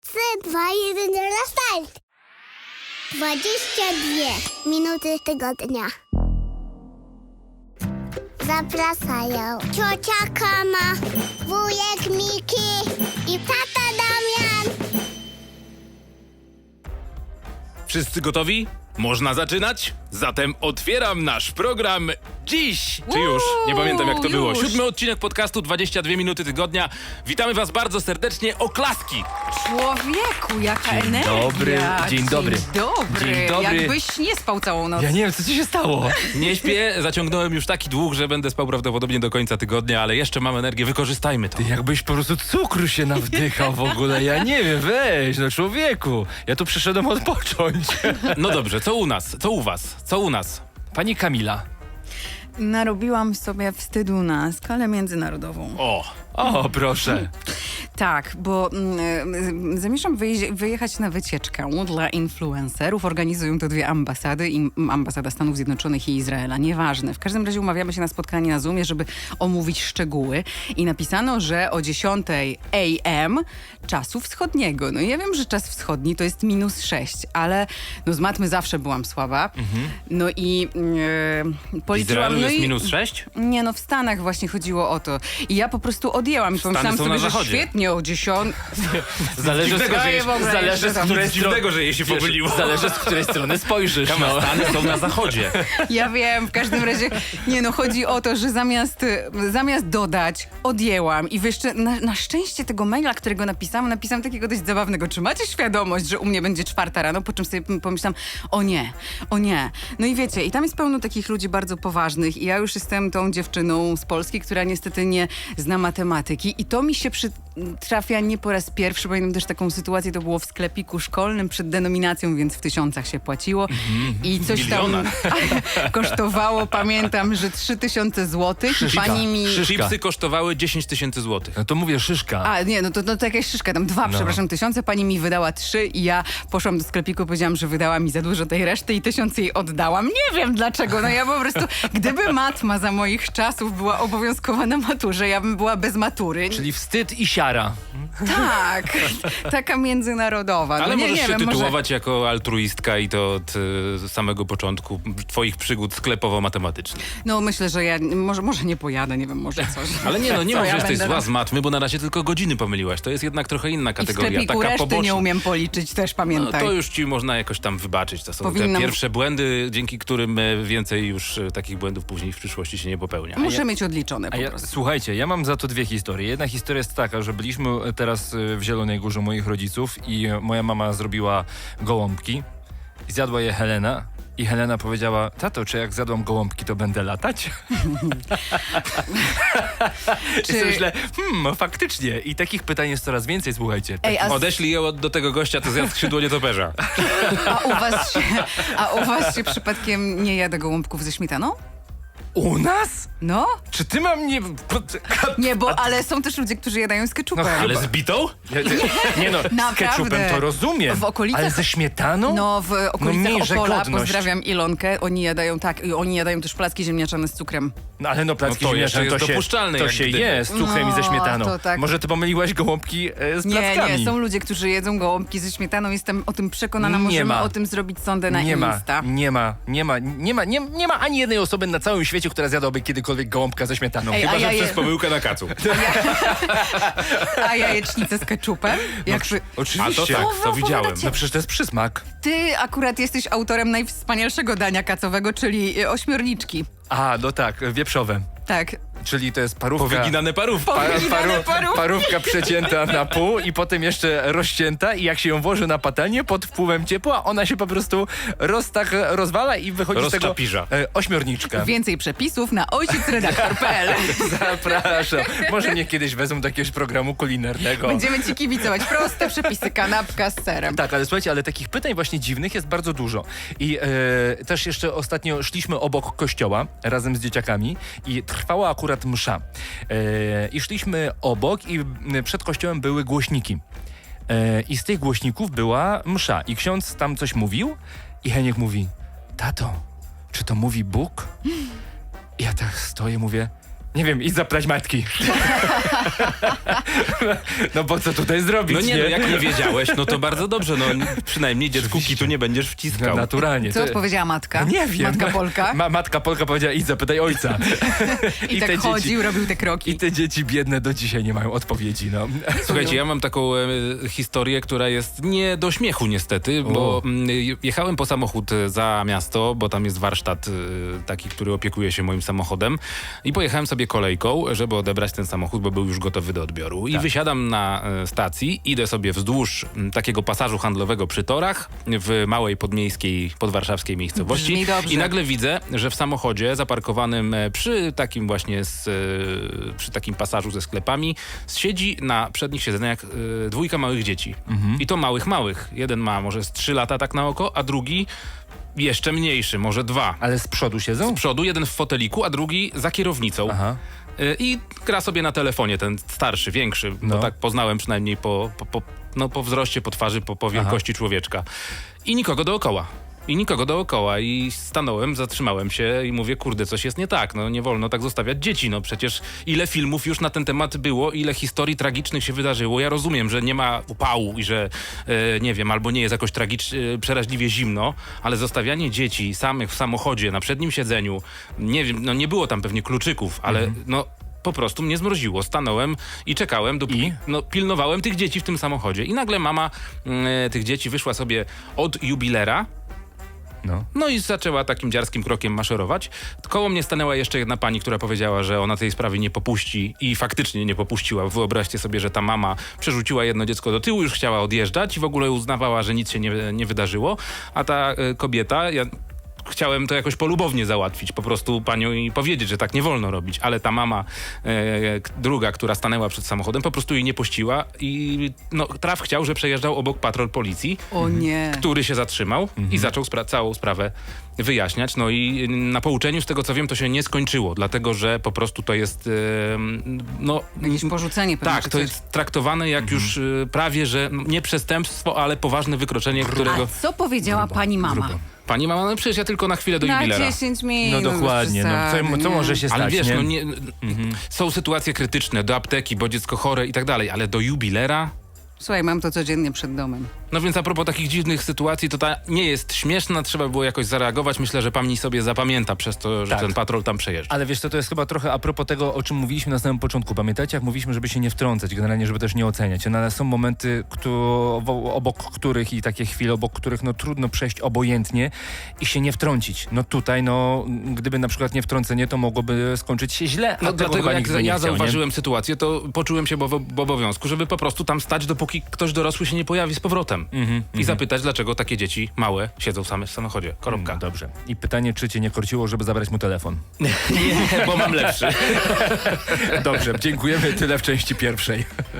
3, 2, 1, start! 22 minuty tygodnia. Zapraszają ciocia Kama, wujek Miki i tata Damian. Wszyscy gotowi? Można zaczynać? Zatem otwieram nasz program dziś! Czy już? Nie pamiętam jak to było. już. 7. odcinek podcastu 22 minuty tygodnia. Witamy was bardzo serdecznie. Oklaski! Człowieku, jaka Dzień energia. dobry, dzień dobry. Dzień dobry. Dzień dobry. Jakbyś nie spał całą noc. Ja nie wiem, co ci się stało. Nie śpię, zaciągnąłem już taki dług, że będę spał prawdopodobnie do końca tygodnia, ale jeszcze mam energię, wykorzystajmy to. Ty jakbyś po prostu cukru się nawdychał w ogóle. Ja nie wiem, weź, no człowieku. Ja tu przyszedłem odpocząć. No dobrze, co u nas? Co u was? Co u nas? Pani Kamila. Narobiłam sobie wstydu na skalę międzynarodową. O, proszę. Tak, bo zamierzam wyjechać na wycieczkę dla influencerów. Organizują to dwie ambasady, ambasada Stanów Zjednoczonych i Izraela. Nieważne. W każdym razie umawiamy się na spotkanie na Zoomie, żeby omówić szczegóły. I napisano, że o 10 a.m. czasu wschodniego. No i ja wiem, że czas wschodni to jest -6, ale no z matmy zawsze byłam słaba. No i W policzyłam... Izraelu no jest i, -6? Nie, no w Stanach właśnie chodziło o to. I ja po prostu odjęłam i pomyślałam są sobie, na że zachodzie. świetnie o 10. Zależy, Dziwnego, że Daję w ogóle zależy jeszcze z tam. której Dziwnego, że jej się pomyliło. Zależy, z której strony spojrzysz. Kama, No. Stany są na zachodzie. Ja wiem, w każdym razie, nie no, chodzi o to, że zamiast dodać, odjęłam i jeszcze na szczęście tego maila, którego napisałam takiego dość zabawnego. Czy macie świadomość, że u mnie będzie 4 rano? Po czym sobie pomyślałam, o nie. No i wiecie, i tam jest pełno takich ludzi bardzo poważnych i ja już jestem tą dziewczyną z Polski, która niestety nie zna matematyki i to mi się trafia nie po raz pierwszy. Pamiętam też taką sytuację, to było w sklepiku szkolnym przed denominacją, więc w tysiącach się płaciło i coś tam kosztowało, pamiętam, że 3000 złotych. Szyszka. Pani mi... Szyszka. Chipsy kosztowały 10 000 złotych. No to mówię, szyszka. A, nie, no to jakaś szyszka, tam 2, przepraszam, 1000, pani mi wydała 3 i ja poszłam do sklepiku, powiedziałam, że wydała mi za dużo tej reszty i 1000 jej oddałam. Nie wiem dlaczego, no ja po prostu, gdyby matma za moich czasów była obowiązkowa na maturze, ja bym była bez matury. Czyli wstyd i siara. Tak, taka międzynarodowa. Ale no, możesz się wiem, tytułować jako altruistka i to od samego początku twoich przygód sklepowo-matematycznych. No myślę, że ja może nie pojadę, nie wiem, może coś. Ale nie, no nie Co mów, ja że jesteś będę zła z matmy, bo na razie tylko godziny pomyliłaś. To jest jednak trochę inna I w kategoria, sklepiku taka reszty poboczna. nie umiem policzyć, też No, pamiętaj. to już ci można jakoś tam wybaczyć. To są Powinnam- te pierwsze błędy, dzięki którym więcej już takich błędów później w przyszłości się nie popełnia. Muszę mieć odliczone po prostu. Słuchajcie, ja mam za to dwie historie. Jedna historia jest taka, że byliśmy teraz w Zielonej Górze moich rodziców i moja mama zrobiła gołąbki i zjadła je Helena. I Helena powiedziała, tato, czy jak zjadłam gołąbki, to będę latać? I sobie myślę, faktycznie. I takich pytań jest coraz więcej, słuchajcie. Ej, Odeślij ją do tego gościa, to zjadł skrzydło nietoperza. A u was się przypadkiem nie jada gołąbków ze śmietaną? U nas? No? Czy ty mam nie... Nie, ale są też ludzie, którzy jadają z ketchupem. No, Ale z bitą? Nie no, z Naprawdę. ketchupem to rozumiem. W okolicach- Ale ze śmietaną? No, w okolicach miejże Opola, godność. pozdrawiam Ilonkę, oni jadają tak, i oni jadają też placki ziemniaczane z cukrem. No ale no placki No to ziemniaczane jeszcze to jest się, dopuszczalne, to jak się gdyby. je z cukrem i ze No, śmietaną. to tak. Może ty pomyliłaś gołąbki z plackami? Nie, są ludzie, którzy jedzą gołąbki ze śmietaną, jestem o tym przekonana, Nie możemy ma. o tym zrobić sondę na Insta. Nie ma ani jednej osoby na całym świecie, która zjadłaby kiedykolwiek gołąbka ze śmietaną. Ej, Chyba, a że ja przez pomyłkę na kacu. A jajecznicę z ketchupem? Oczywiście. A to tak, to widziałem. No przecież to jest przysmak. Ty akurat jesteś autorem najwspanialszego dania kacowego, czyli ośmiorniczki. A, no tak, wieprzowe. Tak. Czyli to jest parówka. Powyginane parówki. Powyginane parówki. Parówka przecięta na pół i potem jeszcze rozcięta i jak się ją włoży na patelnię pod wpływem ciepła, ona się po prostu rozwala i wychodzi z tego Rozczapirza. ośmiorniczka. Więcej przepisów na ojciecredaktor.pl. Zapraszam. Może mnie kiedyś wezmą do jakiegoś programu kulinarnego. Będziemy ci kibicować. Proste przepisy, kanapka z serem. Tak, ale słuchajcie, ale takich pytań właśnie dziwnych jest bardzo dużo. I też jeszcze ostatnio szliśmy obok kościoła razem z dzieciakami i trwała akurat msza. I szliśmy obok i przed kościołem były głośniki. I z tych głośników była msza. I ksiądz tam coś mówił i Heniek mówi, tato, czy to mówi Bóg? I ja tak stoję, mówię, Nie wiem, idź zapytać matki. No bo co tutaj zrobić, No nie, no jak nie wiedziałeś, no to bardzo dobrze, no przynajmniej dziecku kitu nie będziesz wciskał. No, naturalnie. Co odpowiedziała matka? Nie wiem. Matka Polka? Matka Polka powiedziała, idź zapytaj ojca. I tak te chodził, robił te kroki. I te dzieci biedne do dzisiaj nie mają odpowiedzi, no. Słuchajcie, ja mam taką historię, która jest nie do śmiechu niestety, bo jechałem po samochód za miasto, bo tam jest warsztat taki, który opiekuje się moim samochodem i pojechałem sobie kolejką, żeby odebrać ten samochód, bo był już gotowy do odbioru. I wysiadam na stacji, idę sobie wzdłuż takiego pasażu handlowego przy torach w małej podmiejskiej, podwarszawskiej miejscowości Brzmi dobrze. i nagle widzę, że w samochodzie zaparkowanym przy takim właśnie przy takim pasażu ze sklepami siedzi na przednich siedzeniach dwójka małych dzieci. I to małych. Jeden ma może z 3 lata tak na oko, a drugi jeszcze mniejszy, może 2. Ale z przodu siedzą? Z przodu, jeden w foteliku, a drugi za kierownicą. Aha. I gra sobie na telefonie, ten starszy, większy, No. bo tak poznałem przynajmniej po wzroście, po twarzy, po wielkości człowieczka. I nikogo dookoła. I stanąłem, zatrzymałem się i mówię, kurde, coś jest nie tak, no nie wolno tak zostawiać dzieci, no przecież ile filmów już na ten temat było, ile historii tragicznych się wydarzyło. Ja rozumiem, że nie ma upału i że, nie wiem, albo nie jest jakoś przeraźliwie zimno, ale zostawianie dzieci samych w samochodzie, na przednim siedzeniu, nie wiem, no nie było tam pewnie kluczyków, ale no po prostu mnie zmroziło. Stanąłem i czekałem, dopóki pilnowałem tych dzieci w tym samochodzie. I nagle mama tych dzieci wyszła sobie od jubilera. No i zaczęła takim dziarskim krokiem maszerować. Koło mnie stanęła jeszcze jedna pani, która powiedziała, że ona tej sprawy nie popuści i faktycznie nie popuściła. Wyobraźcie sobie, że ta mama przerzuciła jedno dziecko do tyłu, już chciała odjeżdżać i w ogóle uznawała, że nic się nie wydarzyło. A ta kobieta... Chciałem to jakoś polubownie załatwić, po prostu panią i powiedzieć, że tak nie wolno robić, ale ta mama druga, która stanęła przed samochodem, po prostu jej nie puściła i traf chciał, że przejeżdżał obok patrol policji, O nie. który się zatrzymał i zaczął całą sprawę wyjaśniać. No i na pouczeniu, z tego co wiem, to się nie skończyło, dlatego że po prostu to jest Jakieś porzucenie pewnie. tak, czy to coś. jest traktowane jak już prawie, że nie przestępstwo, ale poważne wykroczenie, którego... A co powiedziała pani mama? Pani mama, no przecież ja tylko na chwilę do Na jubilera. 10 minut. No dokładnie, co może się stać, Ale wiesz, nie? Są sytuacje krytyczne, do apteki, bo dziecko chore i tak dalej, ale do jubilera? Słuchaj, mam to codziennie przed domem. No więc a propos takich dziwnych sytuacji, to ta nie jest śmieszna, trzeba było jakoś zareagować. Myślę, że pani sobie zapamięta przez to, że Tak. ten patrol tam przejeżdża. Ale wiesz co, to jest chyba trochę a propos tego, o czym mówiliśmy na samym początku. Pamiętacie, jak mówiliśmy, żeby się nie wtrącać, generalnie, żeby też nie oceniać. No, ale są momenty, obok których i takie chwile, obok których trudno przejść obojętnie i się nie wtrącić. No tutaj, gdyby na przykład nie wtrącenie, to mogłoby skończyć się źle. No A tego dlatego chyba jak nikt by nie ja chciał, nie? zauważyłem sytuację, to poczułem się w obowiązku, żeby po prostu tam stać, dopóki ktoś dorosły się nie pojawi z powrotem. I zapytać, dlaczego takie dzieci małe siedzą same w samochodzie. Koropka. Dobrze. I pytanie, czy cię nie korciło, żeby zabrać mu telefon? Nie, bo mam lepszy. Dobrze, dziękujemy. Tyle w części pierwszej.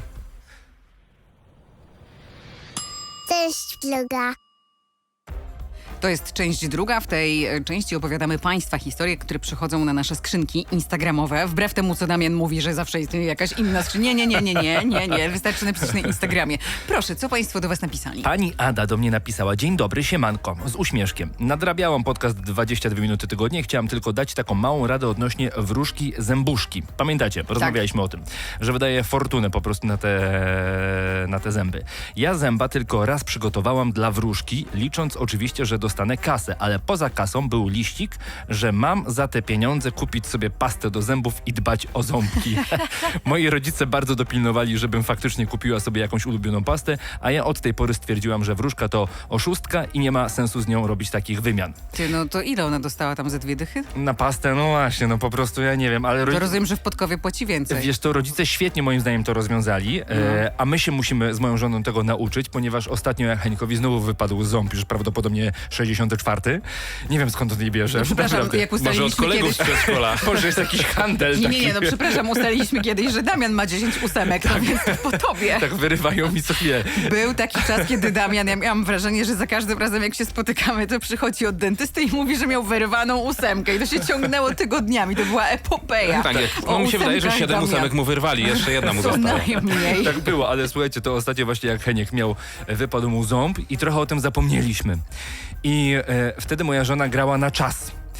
Cześć, vloga. To jest część druga. W tej części opowiadamy Państwa historie, które przychodzą na nasze skrzynki instagramowe. Wbrew temu, co Damian mówi, że zawsze jest jakaś inna skrzynka. Nie. Wystarczy napisać na Instagramie. Proszę, co Państwo do Was napisali? Pani Ada do mnie napisała: dzień dobry, siemanko, z uśmieszkiem. Nadrabiałam podcast 22 minuty tygodnie. Chciałam tylko dać taką małą radę odnośnie wróżki zębuszki. Pamiętacie, rozmawialiśmy o tym, że wydaje fortunę po prostu na te zęby. Ja zęba tylko raz przygotowałam dla wróżki, licząc oczywiście, że dostanę kasę, ale poza kasą był liścik, że mam za te pieniądze kupić sobie pastę do zębów i dbać o ząbki. Moi rodzice bardzo dopilnowali, żebym faktycznie kupiła sobie jakąś ulubioną pastę, a ja od tej pory stwierdziłam, że wróżka to oszustka i nie ma sensu z nią robić takich wymian. Ty, no to ile ona dostała tam ze 2 dychy? Na pastę, no właśnie, po prostu ja nie wiem, ale To rozumiem, że w Podkowie płaci więcej. wiesz, to rodzice świetnie moim zdaniem to rozwiązali, a my się musimy z moją żoną tego nauczyć, ponieważ ostatnio jak Henikowi znowu wypadł ząb, już prawdopodobnie 64. Nie wiem, skąd on jej bierze. Przepraszam, Naprawdę. jak Może od ustaliliśmy kolegów kiedyś... z przedszkola. Może jest jakiś handel taki. Nie, przepraszam, ustaliliśmy kiedyś, że Damian ma 10 ósemek, no więc to po tobie. Tak wyrywają mi co chwilę. Był taki czas, kiedy Damian, ja miałam wrażenie, że za każdym razem jak się spotykamy, to przychodzi od dentysty i mówi, że miał wyrwaną ósemkę i to się ciągnęło tygodniami, to była epopeja. Tak, O mi się wydaje, że ósemkach 7 Damian. ósemek mu wyrwali, jeszcze jedna mu Co została. najmniej. Tak było, ale słuchajcie, to ostatnio właśnie jak Heniek wypadł mu ząb i trochę o tym zapomnieliśmy. I wtedy moja żona grała na czas.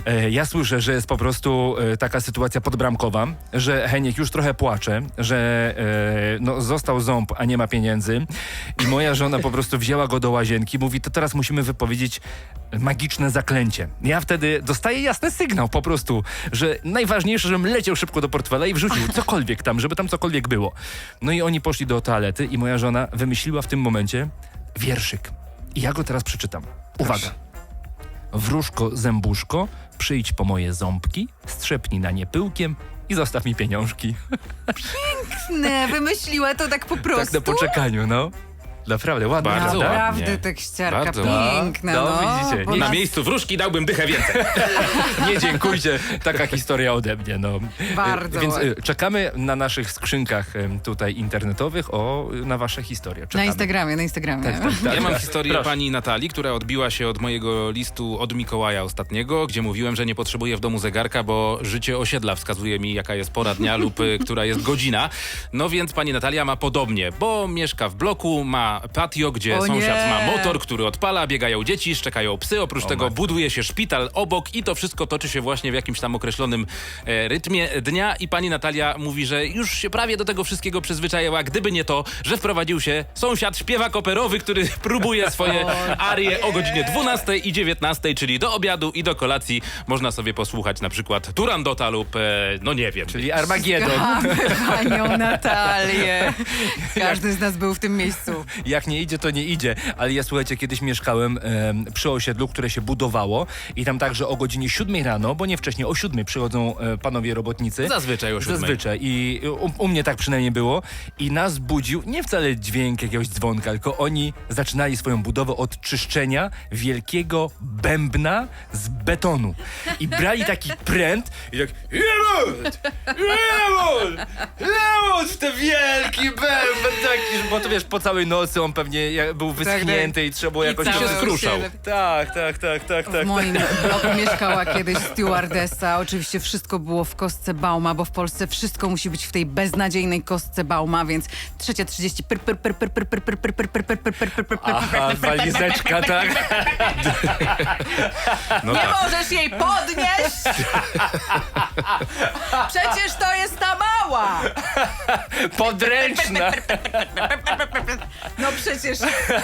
Ja słyszę, że jest po prostu taka sytuacja podbramkowa, że Heniek już trochę płacze, że no, został ząb, a nie ma pieniędzy i moja żona po prostu wzięła go do łazienki, mówi, to teraz musimy wypowiedzieć magiczne zaklęcie. Ja wtedy dostaję jasny sygnał po prostu, że najważniejsze, żebym leciał szybko do portfela i wrzucił cokolwiek tam, żeby tam cokolwiek było. No i oni poszli do toalety i moja żona wymyśliła w tym momencie wierszyk. I ja go teraz przeczytam. Uwaga. Wróżko, zębuszko, przyjdź po moje ząbki, strzepnij na nie pyłkiem i zostaw mi pieniążki. Nie, wymyśliła to tak po prostu. Tak na poczekaniu, no. Naprawdę ładnie. Bardzo prawda? Naprawdę ładnie. tekściarka Bardzo piękna, No, no. widzicie, bo nie Na nas- miejscu wróżki dałbym dychę więcej. Nie dziękujcie, taka historia ode mnie. No. Bardzo Więc ładnie. czekamy na naszych skrzynkach tutaj internetowych na wasze historie. Na Czekamy. Instagramie. Tak. Ja mam historię Proszę. pani Natalii, która odbiła się od mojego listu od Mikołaja ostatniego, gdzie mówiłem, że nie potrzebuję w domu zegarka, bo życie osiedla wskazuje mi, jaka jest pora dnia lub która jest godzina. No więc pani Natalia ma podobnie, bo mieszka w bloku, ma patio, gdzie O sąsiad nie. ma motor, który odpala, biegają dzieci, szczekają psy. Oprócz tego matko. buduje się szpital obok i to wszystko toczy się właśnie w jakimś tam określonym rytmie dnia i pani Natalia mówi, że już się prawie do tego wszystkiego przyzwyczaiła, gdyby nie to, że wprowadził się sąsiad śpiewak operowy, który próbuje swoje arie o godzinie 12 i 19, czyli do obiadu i do kolacji. Można sobie posłuchać na przykład Turandota lub, no nie wiem. Czyli Armagedon. Kochamy panią Natalię. Każdy z nas był w tym miejscu. Jak nie idzie, to nie idzie. Ale ja, słuchajcie, kiedyś mieszkałem przy osiedlu, które się budowało i tam także o godzinie 7 rano, bo nie wcześniej, o 7 przychodzą panowie robotnicy. Zazwyczaj o 7. Zazwyczaj. I u mnie tak przynajmniej było. I nas budził nie wcale dźwięk jakiegoś dzwonka, tylko oni zaczynali swoją budowę od czyszczenia wielkiego bębna z betonu. I brali taki pręt i tak Lemon w ten wielki bęben taki, bo to wiesz, po całej nocy on pewnie był wyschnięty i trzeba było jakoś... I się cały skruszał. Tak. W moim bloku mieszkała kiedyś stewardessa. Oczywiście wszystko było w kostce Bauma, bo w Polsce wszystko musi być w tej beznadziejnej kostce Bauma, więc 3:30 Aha, walizeczka, tak? No Nie tak. możesz jej podnieść! Przecież to jest ta mała! Podręczna. No przecież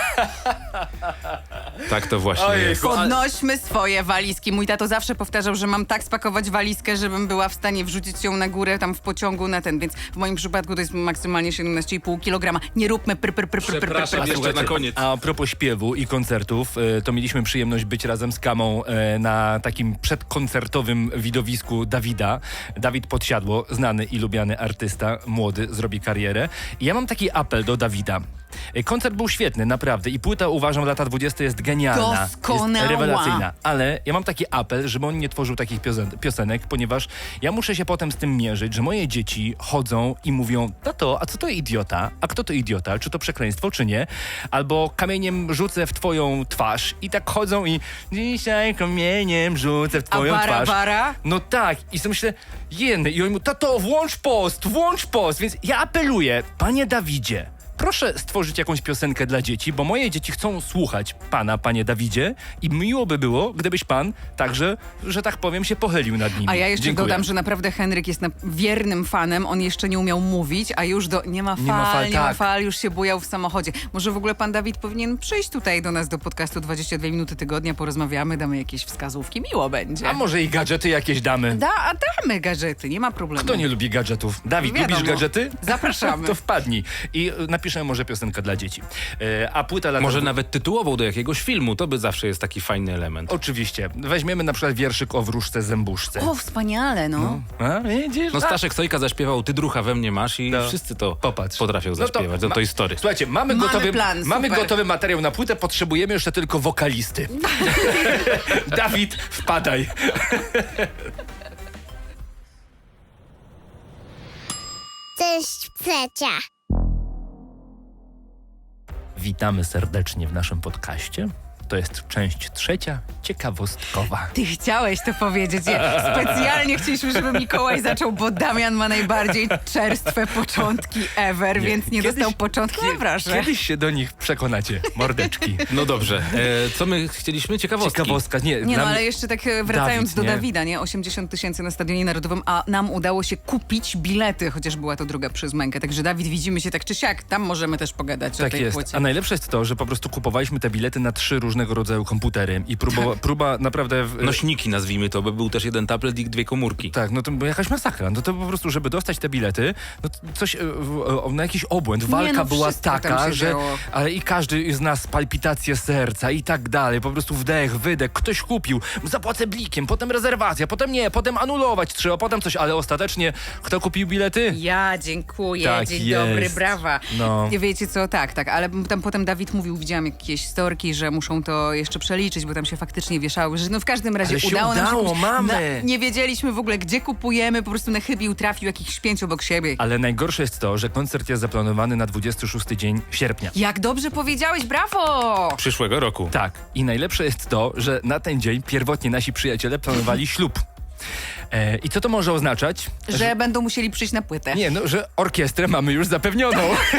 Tak to właśnie Ojej, jest. podnośmy swoje walizki. Mój tato zawsze powtarzał, że mam tak spakować walizkę, żebym była w stanie wrzucić ją na górę tam w pociągu na ten, więc w moim przypadku to jest maksymalnie 17,5 kg. Nie róbmy Przepraszam, jeszcze na koniec. A propos śpiewu i koncertów, to mieliśmy przyjemność być razem z Kamą na takim przedkoncertowym widowisku Dawida. Dawid Podsiadło, znany i lubiany artysta, młody, zrobi karierę. I ja mam taki apel do Dawida. Koncert był świetny, naprawdę. I płyta, uważam, lata 20 jest genialna. Doskonała. Jest rewelacyjna. Ale ja mam taki apel, żeby on nie tworzył takich piosenek, ponieważ ja muszę się potem z tym mierzyć, że moje dzieci chodzą i mówią: tato, a co to idiota? A kto to idiota? Czy to przekleństwo, czy nie? Albo kamieniem rzucę w twoją twarz. I tak chodzą i dzisiaj kamieniem rzucę w twoją twarz. bara? No tak. I sobie myślę, jeny. I oni mówią: tato, włącz post. Więc ja apeluję, panie Dawidzie, proszę stworzyć jakąś piosenkę dla dzieci, bo moje dzieci chcą słuchać pana, panie Dawidzie, i miło by było, gdybyś pan także, że tak powiem, się pochylił nad nimi. A ja jeszcze Dziękuję. dodam, że naprawdę Henryk jest wiernym fanem. On jeszcze nie umiał mówić, a już nie ma tak. fal, już się bujał w samochodzie. Może w ogóle pan Dawid powinien przyjść tutaj do nas do podcastu 22 minuty tygodnia, porozmawiamy, damy jakieś wskazówki, miło będzie. A może i gadżety jakieś damy? Damy gadżety, nie ma problemu. Kto nie lubi gadżetów? Dawid, Wiadomo. lubisz gadżety? Zapraszamy. To wpadnij. I napiszę może piosenkę dla dzieci. A płyta lata... Może nawet tytułową do jakiegoś filmu, to by zawsze jest taki fajny element. Oczywiście. Weźmiemy na przykład wierszyk o wróżce zębuszce. O, wspaniale, no. A, widzisz? No Staszek Sojka zaśpiewał Ty drucha we mnie masz i No. wszyscy to Popatrz. potrafią No to zaśpiewać. No to jest story. Słuchajcie, mamy plan, mamy super. gotowy materiał na płytę, potrzebujemy jeszcze tylko wokalisty. Dawid, wpadaj. Cześć, Plecia. Witamy serdecznie w naszym podcaście. to jest część trzecia, ciekawostkowa. Ty chciałeś to powiedzieć. Specjalnie chcieliśmy, żeby Mikołaj zaczął, bo Damian ma najbardziej czerstwe początki ever, więc nie dostał początku. No proszę. Kiedyś się do nich przekonacie, mordeczki. No dobrze. Co my chcieliśmy? Ciekawostki. Ciekawostka, Nie no, dla ale mnie- jeszcze tak wracając Dawid, do nie? Dawida, nie? 80 000 na Stadionie Narodowym, a nam udało się kupić bilety, chociaż była to druga przez mękę. Także Dawid, widzimy się tak czy siak. Tam możemy też pogadać o Tak tej jest. płycie. A najlepsze jest to, że po prostu kupowaliśmy te bilety na 3 różnego rodzaju komputery i próba naprawdę... Nośniki nazwijmy to, bo był też jeden tablet i 2 komórki. Tak, no to była jakaś masakra. No to po prostu, żeby dostać te bilety, no to coś, na jakiś obłęd. Walka no, była wszystko tam taka, się że... działo. Ale i każdy z nas palpitacje serca i tak dalej. Po prostu wdech, wydech. Ktoś kupił, zapłacę blikiem, potem rezerwacja, potem nie, potem anulować trzeba, potem coś. Ale ostatecznie kto kupił bilety? Ja dziękuję, Tak dzień jest. dobry, brawa. No. I wiecie co, tak, ale tam potem Dawid mówił, widziałam jakieś storki, że muszą to jeszcze przeliczyć, bo tam się faktycznie wieszały, że no w każdym razie Ale się udało nam się udało, kupić. mamy. Nie wiedzieliśmy w ogóle, gdzie kupujemy, po prostu na chybił trafił jakichś 5 obok siebie. Ale najgorsze jest to, że koncert jest zaplanowany na 26 dzień sierpnia. Jak dobrze powiedziałeś, brawo! Przyszłego roku. Tak. I najlepsze jest to, że na ten dzień pierwotnie nasi przyjaciele planowali ślub. I co to może oznaczać? Że będą musieli przyjść na płytę. Nie, no, że orkiestrę mamy już zapewnioną.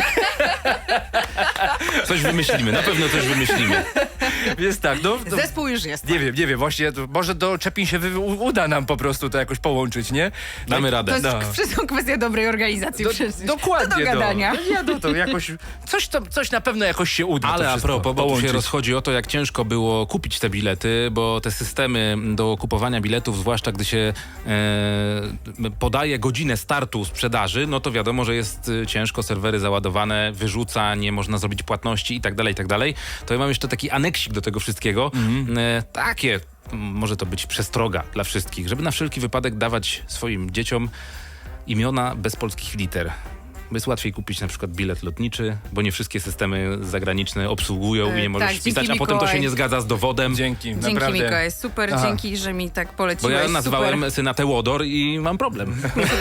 Coś wymyślimy, na pewno coś wymyślimy. Więc tak, no... Zespół już jest. Nie wiem, właśnie, może do Czepin się uda nam po prostu to jakoś połączyć, nie? Damy To radę. jest No. wszystko kwestia dobrej organizacji przecież. Dokładnie. To do gadania. To jakoś... Coś na pewno jakoś się uda. Ale to a wszystko propos, bo tu się połączyć. rozchodzi o to, jak ciężko było kupić te bilety, bo te systemy do kupowania biletów, zwłaszcza gdy się podaje godzinę startu sprzedaży, no to wiadomo, że jest ciężko, serwery załadowane, wyrzuca, nie można zrobić płatności i tak dalej. To ja mam jeszcze taki aneksik do tego wszystkiego. Takie, może to być przestroga dla wszystkich, żeby na wszelki wypadek dawać swoim dzieciom imiona bez polskich liter. Jest łatwiej kupić na przykład bilet lotniczy, bo nie wszystkie systemy zagraniczne obsługują i nie możesz tak, wpisać, a dzięki, potem to się Mikołaj. nie zgadza z dowodem. Dzięki, Dzięki naprawdę. Mikołaj, super, Aha. dzięki, że mi tak Bo poleciłeś. ja nazwałem super. syna Teodor i mam problem.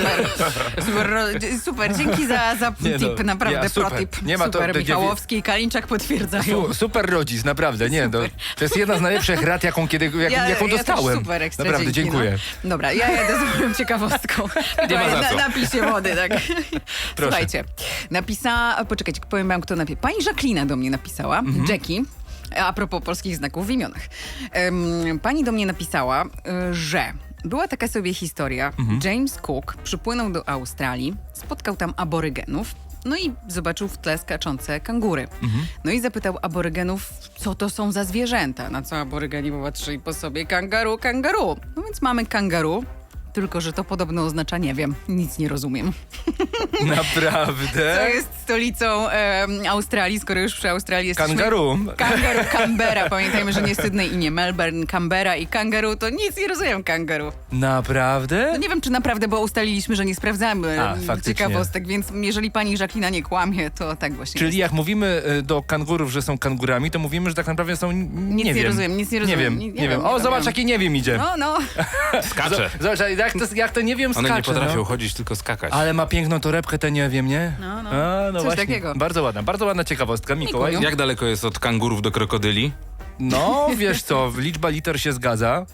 Super, dzięki za Nie no, tip, naprawdę ja, super. protip. Nie ma to- Super, to- Michałowski i Kalińczak potwierdzają. Super rodzic, naprawdę, nie, to jest jedna z najlepszych rad, jaką jaką dostałem. Też super, ekstra, Naprawdę, dzięki, dziękuję. No. Dobra, ja jadę z moją ciekawostką. Nie ma za co. Napij się wody, tak. Słuchajcie, poczekajcie, powiem wam, kto napisał. Pani Jacqueline do mnie napisała, Jackie, a propos polskich znaków w imionach. Pani do mnie napisała, że była taka sobie historia. James Cook przypłynął do Australii, spotkał tam aborygenów, no i zobaczył w tle skaczące kangury. No i zapytał aborygenów, co to są za zwierzęta. Na co aborygeni popatrzyli po sobie, kangaru. No więc mamy kangaru, tylko że to podobno oznacza nie wiem, nic nie rozumiem. Naprawdę? Co jest stolicą Australii, skoro już przy Australii jesteśmy... Kangaru. Canberra. Pamiętajmy, że nie Sydney i nie Melbourne, Canberra i kangaru, to nic nie rozumiem kangaru. Naprawdę? No nie wiem, czy naprawdę, bo ustaliliśmy, że nie sprawdzamy faktycznie. ciekawostek, więc jeżeli pani Jacqueline nie kłamie, to tak właśnie Czyli jest. jak mówimy do kangurów, że są kangurami, to mówimy, że tak naprawdę są... Nic nie wiem. rozumiem, nic nie rozumiem. Nie wiem, Nie nie wiem, wiem. nie O, wiem, zobacz, nie wiem. jaki nie wiem idzie. No. Skacze. Zobacz, jak to nie wiem skacze. One nie potrafią no. chodzić, tylko skakać. Ale ma piękną torebkę, ten nie wiem, nie? No. A, no Coś właśnie. takiego. Bardzo ładna ciekawostka, Mikołaj. Mikuju. Jak daleko jest od kangurów do krokodyli? No, wiesz co, liczba liter się zgadza.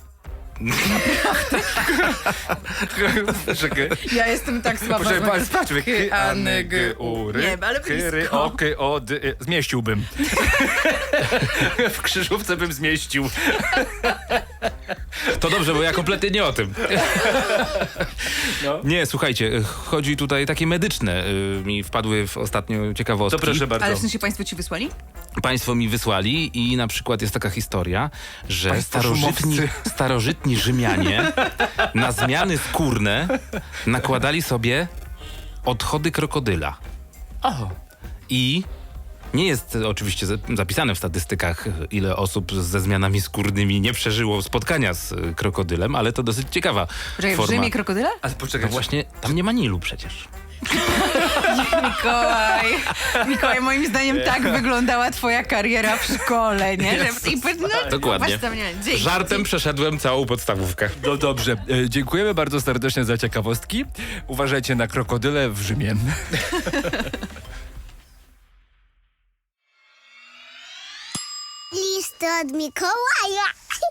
Czekaj. Ja jestem tak słaba. Sprawdźmy. K, A, N, G, U, Nie, ale blisko. O, K, O, D, zmieściłbym. W krzyżówce bym zmieścił. To dobrze, bo ja kompletnie nie o tym. No. Nie, słuchajcie, chodzi tutaj takie medyczne. Mi wpadły w ostatnio ciekawostki. To proszę bardzo. Ale w sensie państwo ci wysłali? Państwo mi wysłali i na przykład jest taka historia, że Państwo starożytni Rzymianie na zmiany skórne nakładali sobie odchody krokodyla. O. I nie jest oczywiście zapisane w statystykach, ile osób ze zmianami skórnymi nie przeżyło spotkania z krokodylem, ale to dosyć ciekawa Poczekaj, w forma. Rzymie krokodyla? Ale No poczekaj, właśnie, tam nie ma Nilu przecież. Mikołaj, moim zdaniem tak wyglądała twoja kariera w szkole, nie? Dokładnie. Patrz tam, nie, dzięki. Żartem przeszedłem całą podstawówkę. No dobrze, dziękujemy bardzo serdecznie za ciekawostki. Uważajcie na krokodyle w Rzymie. Li listy od Mikołaja.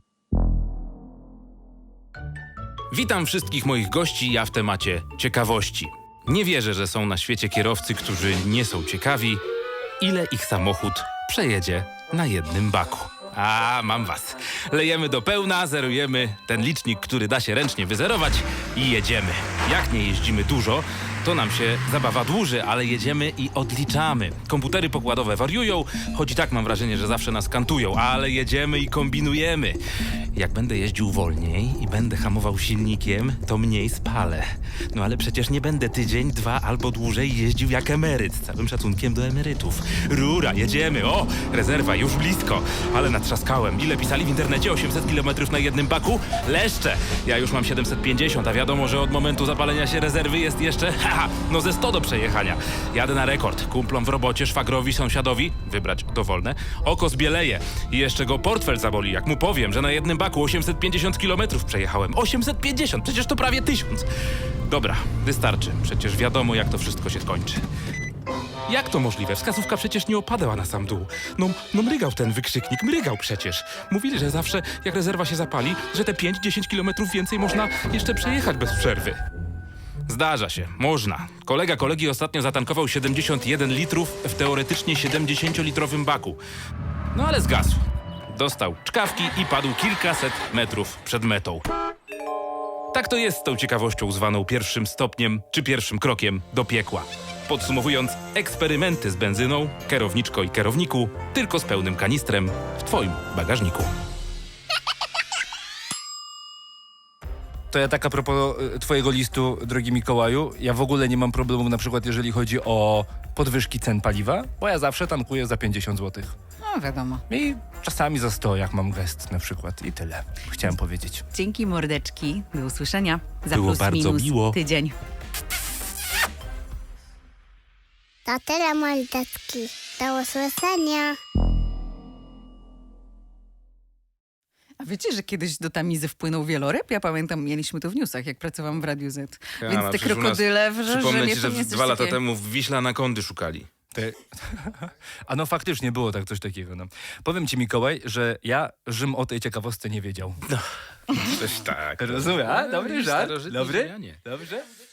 Witam wszystkich moich gości, ja w temacie ciekawości. Nie wierzę, że są na świecie kierowcy, którzy nie są ciekawi, ile ich samochód przejedzie na jednym baku. A, mam was. Lejemy do pełna, zerujemy ten licznik, który da się ręcznie wyzerować i jedziemy. Jak nie jeździmy dużo, to nam się zabawa dłuży, ale jedziemy i odliczamy. Komputery pokładowe wariują, choć i tak mam wrażenie, że zawsze nas kantują, ale jedziemy i kombinujemy. Jak będę jeździł wolniej i będę hamował silnikiem, to mniej spalę. No ale przecież nie będę tydzień, 2 albo dłużej jeździł jak emeryt, z całym szacunkiem do emerytów. Rura, jedziemy, o, rezerwa już blisko, ale natrzaskałem. Ile pisali w internecie? 800 km na jednym baku? Leszcze! Ja już mam 750, a wiadomo, że od momentu zapalenia się rezerwy jest jeszcze, no ze 100 do przejechania. Jadę na rekord. Kumplom w robocie, szwagrowi, sąsiadowi, wybrać dowolne, oko zbieleje i jeszcze go portfel zaboli, jak mu powiem, że na jednym baku 850 km przejechałem. 850, przecież to prawie 1000. Dobra, wystarczy. Przecież wiadomo, jak to wszystko się skończy. Jak to możliwe? Wskazówka przecież nie opadała na sam dół. No mrygał ten wykrzyknik, mrygał przecież. Mówili, że zawsze, jak rezerwa się zapali, że te 5-10 kilometrów więcej można jeszcze przejechać bez przerwy. Zdarza się, można. Kolega kolegi ostatnio zatankował 71 litrów w teoretycznie 70-litrowym baku. No ale zgasł. Dostał czkawki i padł kilkaset metrów przed metą. Tak to jest z tą ciekawością zwaną pierwszym stopniem czy pierwszym krokiem do piekła. Podsumowując, eksperymenty z benzyną, kierowniczko i kierowniku, tylko z pełnym kanistrem w twoim bagażniku. To ja tak a propos twojego listu, drogi Mikołaju, ja w ogóle nie mam problemu na przykład jeżeli chodzi o podwyżki cen paliwa, bo ja zawsze tankuję za 50 zł. No wiadomo. I czasami za 100, jak mam gest na przykład. I tyle. Chciałem powiedzieć. Dzięki mordeczki. Do usłyszenia. Za Było plus bardzo minus miło. tydzień. To tyle, mordeczki. Do usłyszenia. A wiecie, że kiedyś do Tamizy wpłynął wieloryb? Ja pamiętam, mieliśmy to w newsach, jak pracowałam w Radiu Z. Więc te przecież u nas- krokodyle w Przypomnę Rzeszowie ci, to że nie jest 2 coś lata takiego. temu w Wiśle anakondy szukali. A no faktycznie było tak coś takiego. No. Powiem ci, Mikołaj, że ja Rzym o tej ciekawostce nie wiedział. Coś tak. Rozumiem, a? Dobry żart? Starożytni Dobry? Rzymianie. Dobrze?